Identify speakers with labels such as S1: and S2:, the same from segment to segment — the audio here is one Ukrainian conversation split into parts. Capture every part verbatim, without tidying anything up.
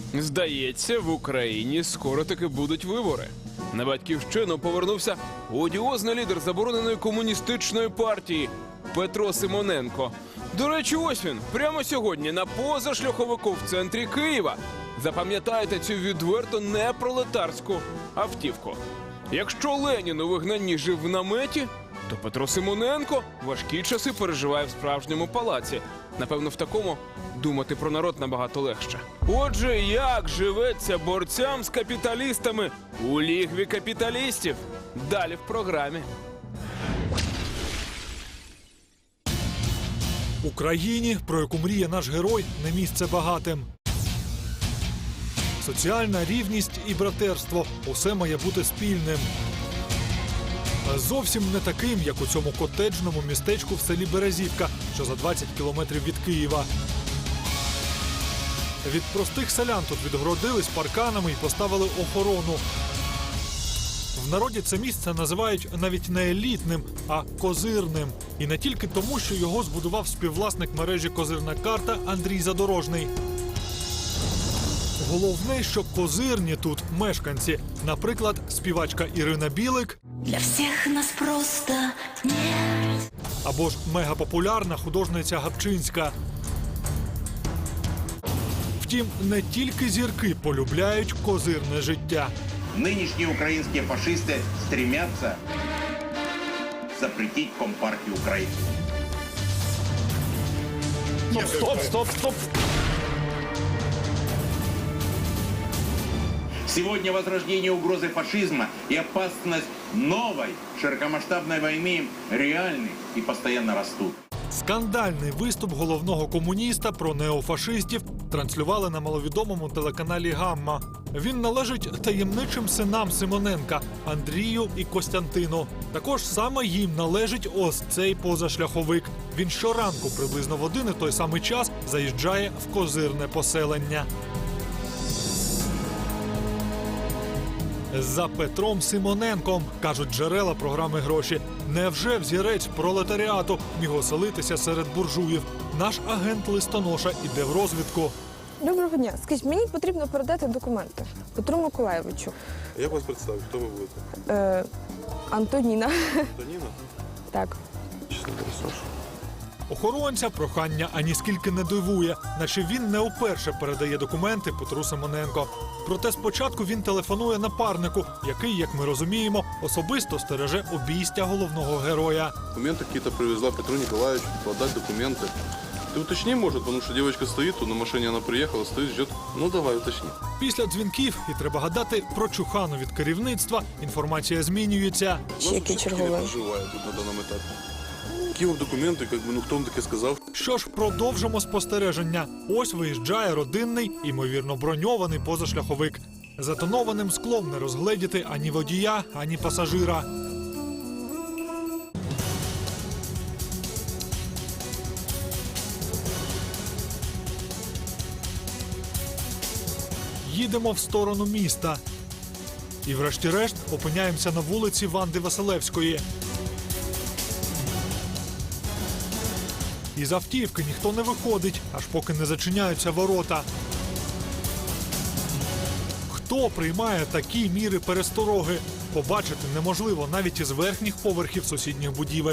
S1: Здається, в Україні скоро таки будуть вибори. На батьківщину повернувся одіозний лідер забороненої комуністичної партії Петро Симоненко. До речі, ось він, прямо сьогодні на позашляховику в центрі Києва. Запам'ятайте цю відверто непролетарську автівку. Якщо Ленін у вигнанні жив в наметі, то Петро Симоненко важкі часи переживає в справжньому палаці. Напевно, в такому думати про народ набагато легше. Отже, як живеться борцям з капіталістами у лігві капіталістів? Далі в програмі.
S2: Україні, про яку мріє наш герой, не місце багатим. Соціальна рівність і братерство – усе має бути спільним. Зовсім не таким, як у цьому котеджному містечку в селі Березівка, що за двадцять кілометрів від Києва. Від простих селян тут відгородились парканами і поставили охорону. В народі це місце називають навіть не елітним, а козирним. І не тільки тому, що його збудував співвласник мережі «Козирна карта» Андрій Задорожний. Головне, що козирні тут мешканці. Наприклад, співачка Ірина Білик.
S3: Для всіх нас просто нет.
S2: Або ж мегапопулярна художниця Гапчинська. Втім, не тільки зірки полюбляють козирне життя.
S4: Нынешние украинские фашисты стремятся запретить Компартию Украины.
S2: Стоп, стоп, стоп!
S4: Сегодня возрождение угрозы фашизма и опасность новой широкомасштабной войны реальны и постоянно растут.
S2: Скандальний виступ головного комуніста про неофашистів транслювали на маловідомому телеканалі «Гамма». Він належить таємничим синам Симоненка – Андрію і Костянтину. Також саме їм належить ось цей позашляховик. Він щоранку приблизно в один і той самий час заїжджає в козирне поселення. За Петром Симоненком, кажуть джерела програми «Гроші». Невже взірець пролетаріату міг оселитися серед буржуїв? Наш агент-листоноша іде в розвідку.
S5: Доброго дня. Скажіть, мені потрібно передати документи Петру Миколаєвичу.
S6: Як вас представити? Хто ви будете?
S5: Е, Антоніна.
S6: Антоніна?
S5: Так.
S6: Чесно, Саша.
S2: Охоронця прохання аніскільки не дивує, наче він не вперше передає документи Петру Симоненко. Проте спочатку він телефонує напарнику, який, як ми розуміємо, особисто стереже обійстя головного героя.
S6: Документы какие-то привезла Петру Николаевичу, подать документы. Ты уточни, может, потому что девочка стоит, тут на машине она приехала, стоит, ждет. Ну, давай, уточни.
S2: Після дзвінків, і треба гадати, про чухану від керівництва, інформація змінюється.
S5: Ще який черговий.
S6: проживає тут на даному етапі. Які вам документи, як би, ну, хто вам таке сказав?
S2: Що ж, продовжимо спостереження. Ось виїжджає родинний, імовірно броньований позашляховик. За тонованим склом не розгледіти ані водія, ані пасажира. Їдемо в сторону міста. І врешті-решт опиняємося на вулиці Ванди Василевської. Із автівки ніхто не виходить, аж поки не зачиняються ворота. Хто приймає такі міри перестороги? Побачити неможливо навіть із верхніх поверхів сусідніх будівель.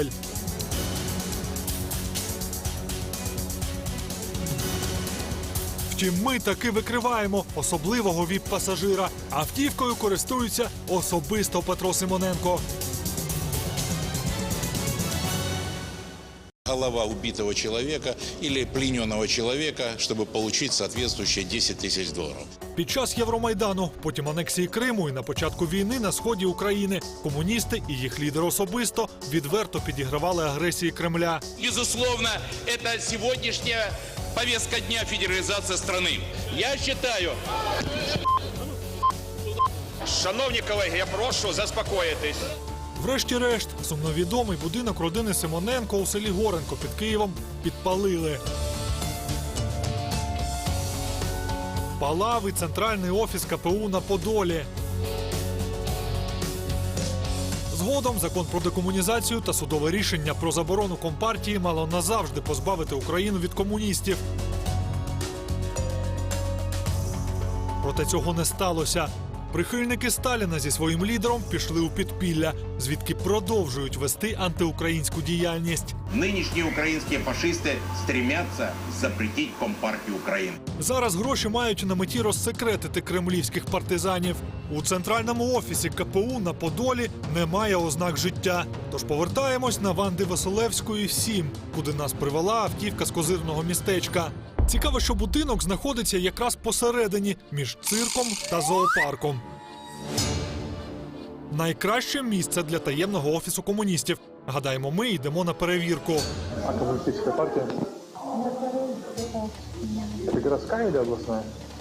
S2: Втім, ми таки викриваємо особливого віп-пасажира. Автівкою користується особисто Петро Симоненко.
S7: Голова убитого человека или плененного человека, чтобы получить соответствующие десять тысяч долларов.
S2: Під час Євромайдану, потім анексії Криму і на початку війни на сході України комуністи і їх лідер особисто відверто підігравали агресії Кремля.
S8: Безусловно, это сегодняшняя повестка дня федерализации страны. Я считаю... Шановні колеги, я прошу заспокоїтись.
S2: Врешті-решт, сумновідомий будинок родини Симоненко у селі Горенко під Києвом підпалили. Палав і центральний офіс ка пе у на Подолі. Згодом закон про декомунізацію та судове рішення про заборону Компартії мало назавжди позбавити Україну від комуністів. Проте цього не сталося. Прихильники Сталіна зі своїм лідером пішли у підпілля, звідки продовжують вести антиукраїнську діяльність.
S4: Нынешние украинские фашисты стремятся запретить Компартию Украины.
S2: Зараз гроші мають на меті розсекретити кремлівських партизанів. У центральному офісі ка пе у на Подолі немає ознак життя. Тож повертаємось на Ванди Василевської, сім, куди нас привела автівка з козирного містечка. Цікаво, що будинок знаходиться якраз посередині, між цирком та зоопарком. Найкраще місце для таємного офісу комуністів. Гадаємо, ми йдемо на перевірку.
S9: А коммунистическая партия? Это городская или областная?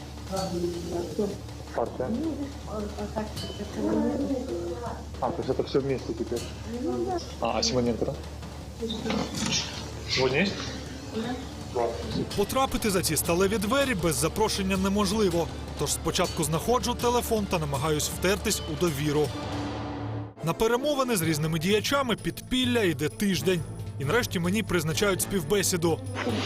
S9: Партия. А, то есть это все вместе теперь? А, а Симоненко, да? Сегодня есть?
S2: Потрапити за ці сталеві двері без запрошення неможливо. Тож спочатку знаходжу телефон та намагаюсь втертись у довіру. На перемовини з різними діячами підпілля йде тиждень. І нарешті мені призначають співбесіду.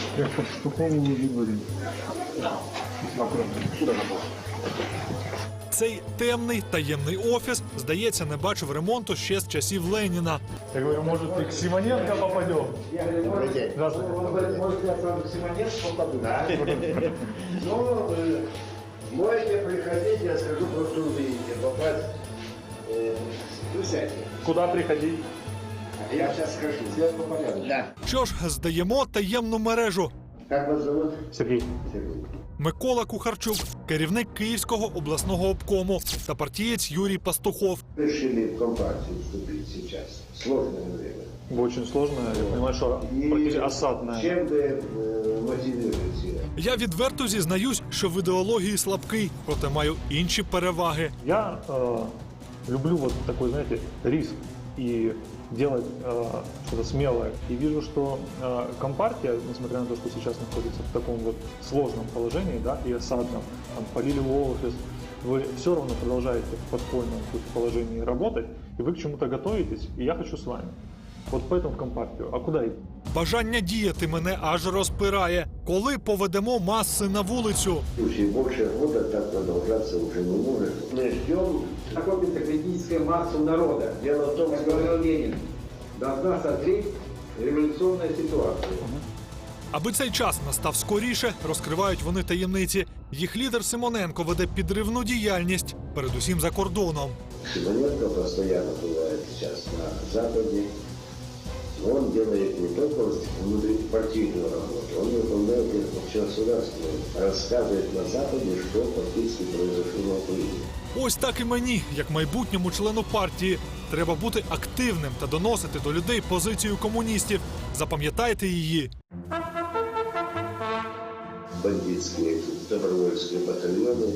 S2: Цей темний таємний офіс, здається, не бачив ремонту ще з часів Леніна.
S9: Я говорю, может, и к Симоненко попадем? Здравствуйте.
S10: Может, я сам к Симоненко попаду? Да. Ну, можете приходить, я скажу, просто увидите. Попасть, ну, сядьте.
S9: Куда приходить?
S10: Я сейчас скажу. Все по порядку. Да.
S2: Що ж, здаємо таємну мережу.
S10: Как вас зовут?
S9: Сергей.
S10: Сергей.
S2: Микола Кухарчук, керівник Київського обласного обкому, та партієць Юрій Пастухов.
S10: Решили в компартию вступить сейчас. Сложное время.
S9: Очень сложно, я понимаю, что практически осадное.
S10: Чем вы э, мотивируете?
S2: Я відверто зізнаюсь, що в ідеології слабкий, проте маю інші переваги.
S9: Я э, люблю вот такой, знаете, риск и делать э, что-то смелое. И вижу, что э, Компартия, несмотря на то, что сейчас находится в таком вот сложном положении, да, и осадном, там, полили офис, вы все равно продолжаете в подпольном тут положении работать, и вы к чему-то готовитесь, и я хочу с вами. Вот поэтому в Компартию. А куда идти?
S2: Бажання діяти мене аж розпирає. Коли поведемо маси на вулицю?
S10: Слушай, больше года так продолжаться уже не может. Мы ждем какую-то критическую массу народа. Дело в том, что говорил Ленин, должна созреть революционная ситуация.
S2: Аби цей час настав скоріше, розкривають вони таємниці. Їх лідер Симоненко веде підривну діяльність, передусім за кордоном.
S10: Симоненко постоянно бывает сейчас на Западе. Он делает не только внутрипартийную работу, он выполняет общегосударственную, рассказывает на Западе, что фактически произошло на Украине.
S2: Ось так і мені, як майбутньому члену партії, треба бути активним та доносити до людей позицію комуністів. Запам'ятайте її.
S10: Бандитские, добровольские батальоны,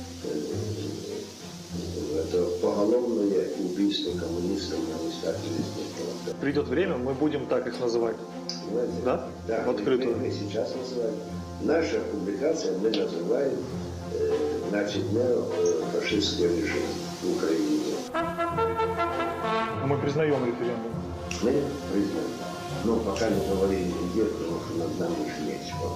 S10: это поголовное убийство коммунистов на местах или
S9: Придет время, мы будем так их называть.
S10: Понимаете?
S9: Да?
S10: Да,
S9: В открытую.
S10: Мы, мы сейчас называем. Наша публикация мы называем э, значит, неофашистский режим в Украине.
S9: Мы признаем референдум.
S10: Мы признаем. Но пока не говорили где, потому что над нами же нечего.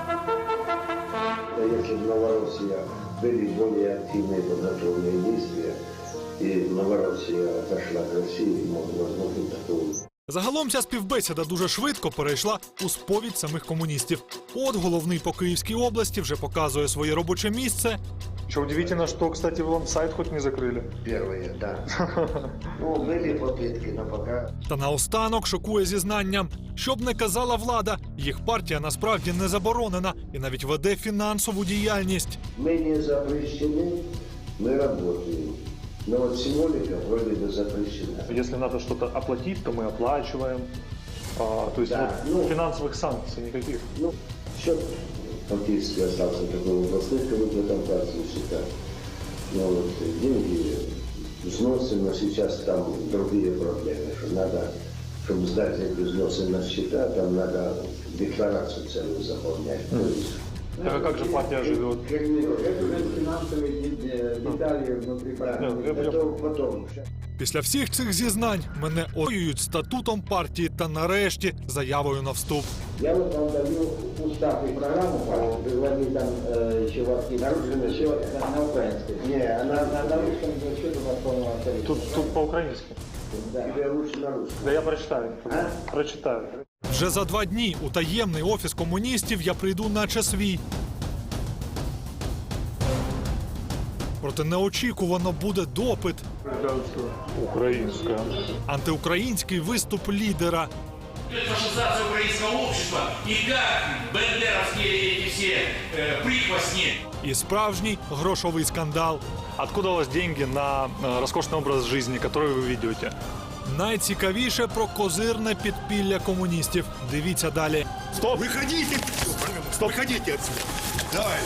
S10: Если в Новороссии были более активные подготовленные действия, и Новороссия отошла к России, возможно, такого.
S2: Загалом ця співбесіда дуже швидко перейшла у сповідь самих комуністів. От головний по Київській області вже показує своє робоче місце.
S9: Что удивительно, что, кстати, вы вам сайт хоть не закрыли.
S10: Первые, да. Ну, были попытки, но пока...
S2: Та наостанок шокує зізнанням. Щоб не казала влада, їх партія насправді не заборонена і навіть веде фінансову діяльність.
S10: Мы не запрещены, мы работаем. Но вот символика вроде бы запрещена.
S9: Если надо что-то оплатить, то мы оплачиваем. А, то есть
S10: Да,
S9: вот
S10: ну-
S9: финансовых санкций никаких.
S10: Ну, счет фактически остался такой областной комитетом партии счета. Но вот деньги взносы, но сейчас там другие проблемы, что надо, чтобы сдать эти взносы на счета, там надо декларацию целую заполнять. То есть,
S9: Так а как же партия живет?
S10: это уже финансовые детали внутри партии.
S9: Нет, я- я-
S10: Это потом.
S2: Після всіх цих зізнань мене оюють статутом партії та нарешті заявою на вступ.
S10: Я вот вам даю устав и программу партии, выводить там э, еще вас нарушено, еще на, на украинском. Не, на, на, на русском что-то на полном авторитете.
S9: Тут, тут по-украински.
S10: Да. Тебе лучше на русском.
S9: Да я прочитаю.
S10: А?
S9: Прочитаю.
S2: Вже за два дні у таємний офіс комуністів я прийду наче свій. Проте неочікувано буде допит.
S9: Украинская.
S2: Антиукраїнський виступ лідера.
S8: Фашизация украинского общества и как бендеровские эти все э, прихвостни.
S2: І справжній грошовий скандал.
S9: Откуда у вас деньги на э, роскошный образ жизни, который вы ведете?
S2: Найцікавіше про козирне підпілля комуністів. Дивіться далі.
S9: Стоп!
S11: Выходите! Стоп! Выходите отсюда! Давай!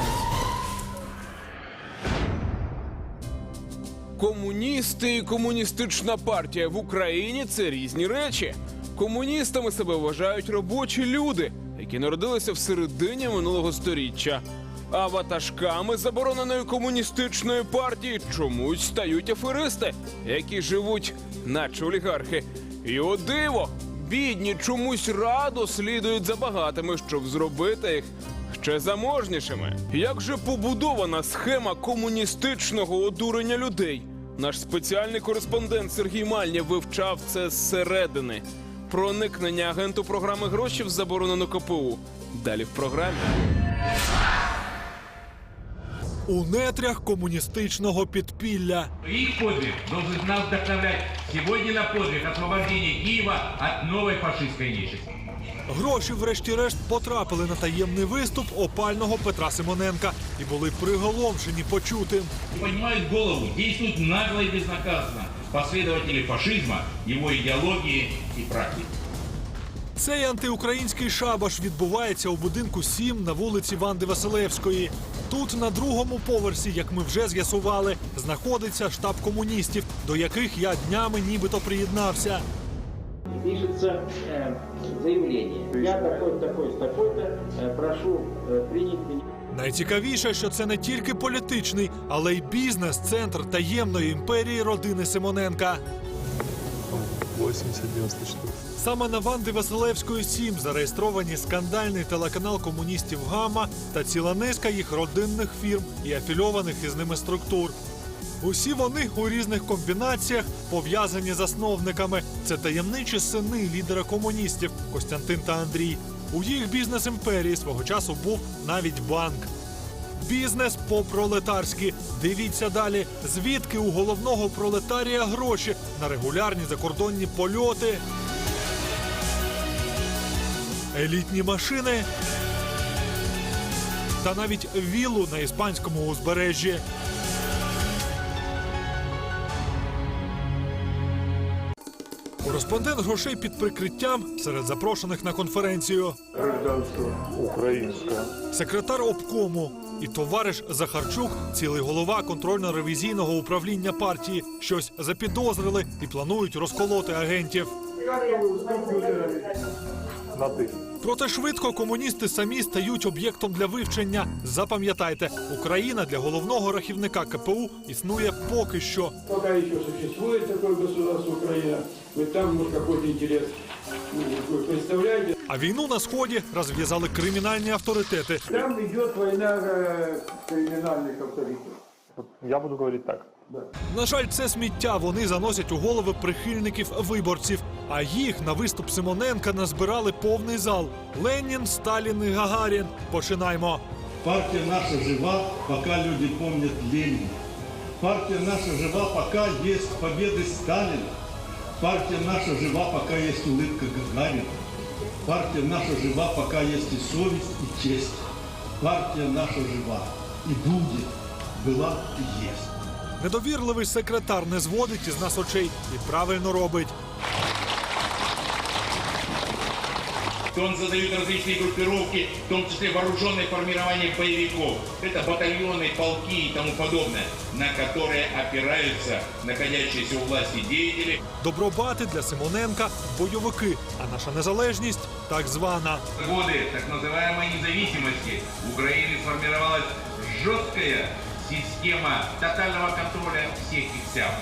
S1: Комуністи і комуністична партія в Україні – це різні речі. Комуністами себе вважають робочі люди, які народилися в середині минулого сторіччя. А ватажками забороненої комуністичної партії чомусь стають аферисти, які живуть наче олігархи. І о диво, бідні чомусь радо слідують за багатими, щоб зробити їх ще заможнішими. Як же побудована схема комуністичного одурення людей? Наш спеціальний кореспондент Сергій Мальня вивчав це зсередини. Проникнення агенту програми «Гроші» в заборонену ка пе у. Далі в програмі.
S2: У нетрях комуністичного підпілля.
S8: Их подвиг должен нас вдохновлять сегодня на подвиг освобождения Киева от новой фашистской нечисти.
S2: Гроші врешті-решт потрапили на таємний виступ опального Петра Симоненка і були приголомшені почутим.
S8: Поднимают голову, действуют нагло и безнаказанно последователи фашизма, его идеологии и практики.
S2: Цей антиукраїнський шабаш відбувається у будинку сім на вулиці Ванди Василевської. Тут на другому поверсі, як ми вже з'ясували, знаходиться штаб комуністів, до яких я днями нібито приєднався.
S10: Пишется э, заявление. Я такой-то, такой-то, такой-то, э, прошу э, принять меня.
S2: Найцікавіше, що це не тільки політичний, але й бізнес-центр таємної імперії родини Симоненка.
S9: вісімдесят дев'яносто штук.
S2: Саме на Ванди Василевської сім зареєстровані скандальний телеканал комуністів «Гамма» та ціла низка їх родинних фірм і афільованих із ними структур. Усі вони у різних комбінаціях пов'язані з засновниками. Це таємничі сини лідера комуністів Костянтин та Андрій. У їх бізнес-імперії свого часу був навіть банк. Бізнес по-пролетарськи. Дивіться далі, звідки у головного пролетарія гроші на регулярні закордонні польоти, елітні машини та навіть віллу на іспанському узбережжі. Кореспондент грошей під прикриттям серед запрошених на конференцію.
S9: Українська.
S2: Секретар обкому і товариш Захарчук, цілий голова контрольно-ревізійного управління партії, щось запідозрили і планують розколоти агентів.
S9: На ти.
S2: Проте швидко комуністи самі стають об'єктом для вивчення. Запам'ятайте, Україна для головного рахівника ка пе у існує поки що.
S12: Пока еще существует такое государство Украина, вы там, может, какой-то интерес вы представляете.
S2: А війну на Сході розв'язали кримінальні авторитети.
S12: Там идет война э, криминальных авторитетов.
S9: Я буду говорить так.
S2: На жаль, це сміття вони заносять у голови прихильників виборців. А їх на виступ Симоненка назбирали повний зал. Ленін, Сталін і Гагарін. Починаймо.
S13: Партия наша жива, пока люди помнят Ленина. Партия наша жива, пока есть победы Сталина. Партия наша жива, пока есть улыбка Гагарина. Партия наша жива, пока есть и совесть, и честь. Партия наша жива и будет, была и есть.
S2: Недовірливий секретар не зводить із нас очей і правильно робить.
S8: Он создает различные группировки, в том числе вооруженные формирования боевиков. Это батальоны, полки и тому подобное, на которые опираются находящиеся у власти деятели.
S2: Добробати для Симоненка – бойовики, а наша незалежність – так звана.
S8: В годы так называемой независимости в Украине сформировалась жесткая система тотального контроля всех и вся.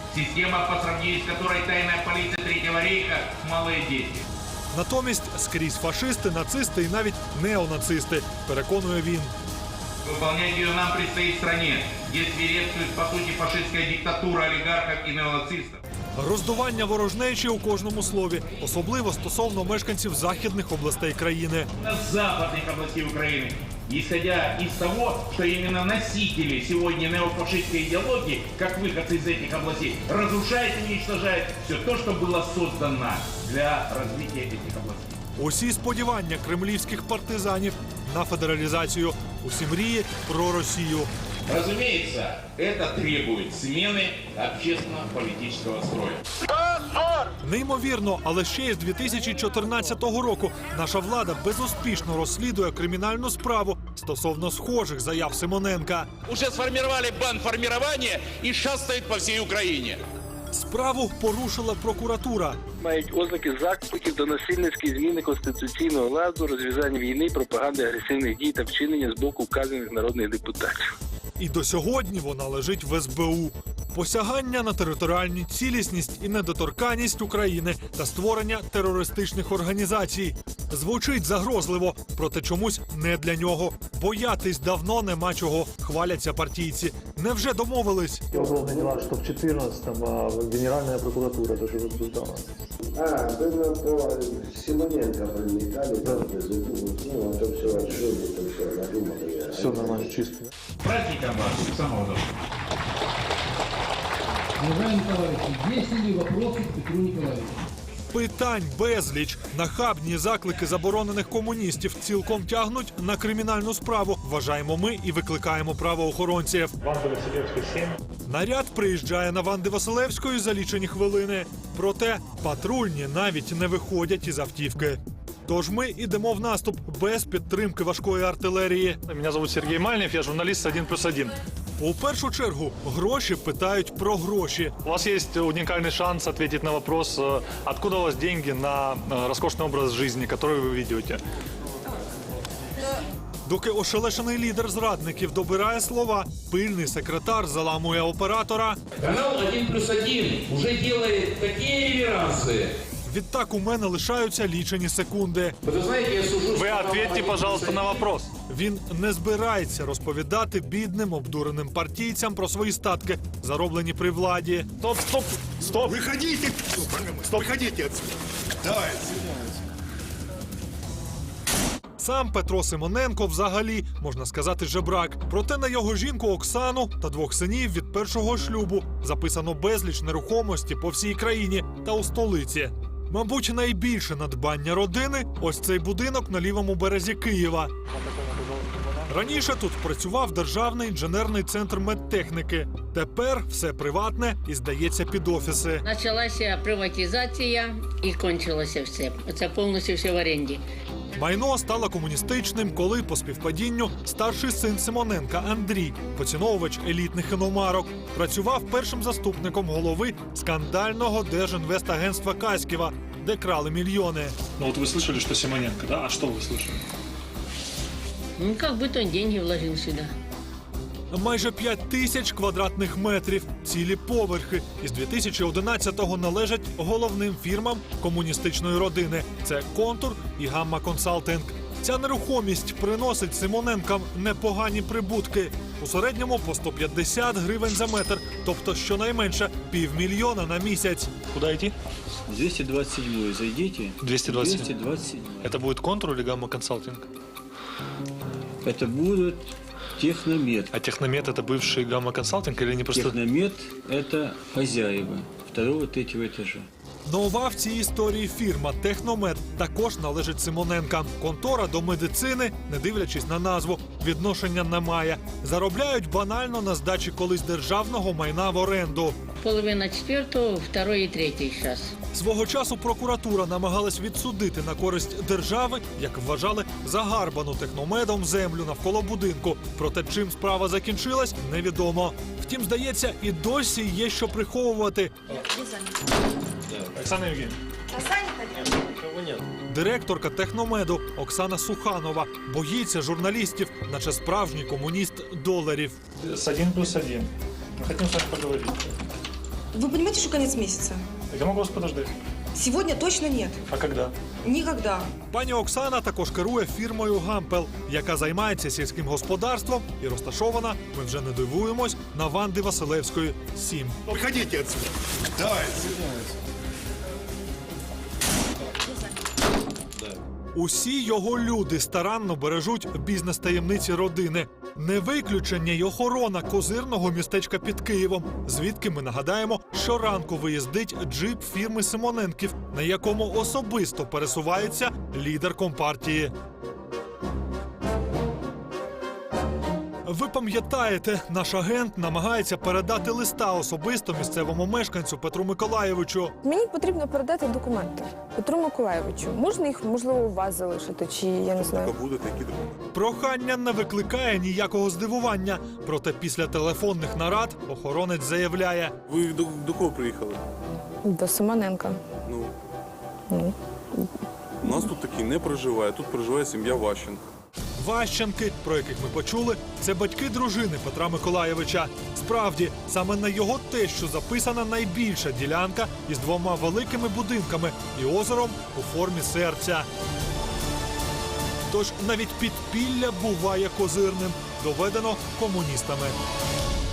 S8: Система, по сравнению с которой тайная полиция Третьего рейха – малые дети.
S2: Натомість скрізь фашисти, нацисти і навіть неонацисти, переконує він.
S8: Выполнять ее нам предстоит в стране, где свирепствует, по сути, фашистская диктатура олигархов и неонацистов.
S2: Роздування ворожнечі у кожному слові, особливо стосовно мешканців західних областей країни.
S8: На западных областей Украины, исходя из того, что именно носители сегодня неофашистской идеологии, как выходцы из этих областей, разрушают и уничтожают все то, что было создано для развития этих областей.
S2: Усі сподівання кремлівських партизанів на федералізацію, усі мрії про Росію.
S8: Разумеется, это требует смены общественно-политического строя.
S2: Неймовірно, але ще із дві тисячі чотирнадцятого року наша влада безуспішно розслідує кримінальну справу стосовно схожих заяв Симоненка.
S14: Уже сформировали бандформирование и шастают по всей Украине.
S2: Справу порушила прокуратура.
S15: Мають ознаки закликів до насильницької зміни конституційного ладу, розв'язання війни, пропаганди агресивних дій та вчинення з боку вказаних народних депутатів.
S2: І до сьогодні вона лежить в ес бе у. Посягання на територіальну цілісність і недоторканність України та створення терористичних організацій. Звучить загрозливо, проте чомусь не для нього. Боятись давно нема чого, хваляться партійці. Невже домовились?
S9: Уголовные дела, что в четырнадцатом а Генеральная прокуратура даже возбуждала.
S10: А, вы на по Симоненко проникали, да. Ну, это все отжили, это все надумали.
S9: Все нормально, чисто.
S8: Праздником вас, самого доброго.
S16: Уважаемые товарищи, есть ли вопросы к Петру Николаевичу?
S2: Питань безліч. Нахабні заклики заборонених комуністів цілком тягнуть на кримінальну справу. Вважаємо ми і викликаємо правоохоронців.
S9: Ванда Василевська, сім.
S2: Наряд приїжджає на Ванди Василевської за лічені хвилини. Проте патрульні навіть не виходять із автівки. Тож ми йдемо в наступ без підтримки важкої артилерії.
S9: Меня зовут Сергей Мальнев, я журналист один плюс один.
S2: У першу чергу гроші питають про гроші.
S9: У вас есть уникальный шанс ответить на вопрос, э, откуда у вас деньги на э, роскошный образ жизни, который вы ведете.
S2: Доки ошелешений лідер зрадників добирає слова, пильний секретар заламує оператора.
S12: Канал один плюс один уже делает такие реверансы.
S2: Відтак у мене лишаються лічені секунди.
S12: Вы знаете, я сужу...
S9: Вы ответьте, пожалуйста, на вопрос.
S2: Він не збирається розповідати бідним обдуреним партійцям про свої статки, зароблені при владі.
S9: Стоп, стоп, стоп.
S11: Выходите! Стоп, выходите отсюда! Давай!
S2: Сам Петро Симоненко взагалі, можна сказати, жебрак. Проте на його жінку Оксану та двох синів від першого шлюбу записано безліч нерухомості по всій країні та у столиці. Мабуть, найбільше надбання родини – ось цей будинок на лівому березі Києва. Раніше тут працював Державний інженерний центр медтехніки. Тепер все приватне і здається під офіси.
S17: Почалася приватизація і кончилося все. Це повністю все в оренді.
S2: Майно стало комуністичним, коли по співпадінню старший син Симоненка Андрій, поціновувач елітних іномарок, працював першим заступником голови скандального Держінвестагентства Каськіва, де крали мільйони.
S9: Ну вот вы слышали, что Симоненко, да? А что вы слышали?
S17: Ну, как будто он деньги вложил сюда.
S2: Майже п'ять тисяч квадратних метрів, цілі поверхи. Із дві тисячі одинадцятого належать головним фірмам комуністичної родини. Це «Контур» і «Гамма Консалтинг». Ця нерухомість приносить Симоненкам непогані прибутки. У середньому по сто п'ятдесят гривень за метр, тобто щонайменше півмільйона на місяць.
S9: Куда идти?
S18: двести двадцать седьмой зайдите.
S9: двести двадцать.
S18: двести двадцать седьмой.
S9: Это будет «Контур» или «Гамма Консалтинг»?
S18: Это будет Техномет.
S9: А Техномет — это бывший «Гамма Консалтинг» или не просто...
S18: Техномет — это хозяева второго, третьего этажа.
S2: Нова в цій історії фірма «Техномет» також належить Симоненкам. Контора до медицини, не дивлячись на назву, відношення не має. Заробляють банально на здачі колись державного майна в оренду.
S17: Половина четвертого, второй і третій зараз.
S2: Свого часу прокуратура намагалась відсудити на користь держави, як вважали, загарбану Техномедом землю навколо будинку. Проте чим справа закінчилась, невідомо. Втім, здається, і досі є що приховувати.
S9: Оксана Евгеньевна.
S2: Директорка Техномеду Оксана Суханова боїться журналістів, наче справжній комуніст доларів.
S9: С один плюс один. Мы хотим с вами поговорить.
S19: Вы понимаете, что конец месяца?
S9: Я могу вас подождать.
S19: Сегодня точно нет.
S9: А когда?
S19: Никогда.
S2: Пані Оксана також керує фірмою «Гампел», яка займається сільським господарством і розташована, ми вже не дивуємось, на Ванди Василевської, сім.
S11: Выходите отсюда. Давай.
S2: Усі його люди старанно бережуть бізнес-таємниці родини. Не виключення й охорона козирного містечка під Києвом, звідки, ми нагадаємо, щоранку виїздить джип фірми Симоненків, на якому особисто пересувається лідер компартії. Ви пам'ятаєте, наш агент намагається передати листа особисто місцевому мешканцю Петру Миколаєвичу.
S5: Мені потрібно передати документи Петру Миколаєвичу. Можна їх, можливо, у вас залишити, чи я не знаю.
S6: Будуть які документи?
S2: Прохання не викликає ніякого здивування. Проте після телефонних нарад охоронець заявляє:
S6: Ви до, до кого приїхали?
S5: До Симоненка.
S6: Ну,
S5: Ну.
S6: у нас тут такі не проживає, тут проживає сім'я Ващенко.
S2: Ващенки, про яких ми почули, це батьки дружини Петра Миколаєвича. Справді, саме на його тещу записана найбільша ділянка із двома великими будинками і озером у формі серця. Тож навіть підпілля буває козирним, доведено комуністами.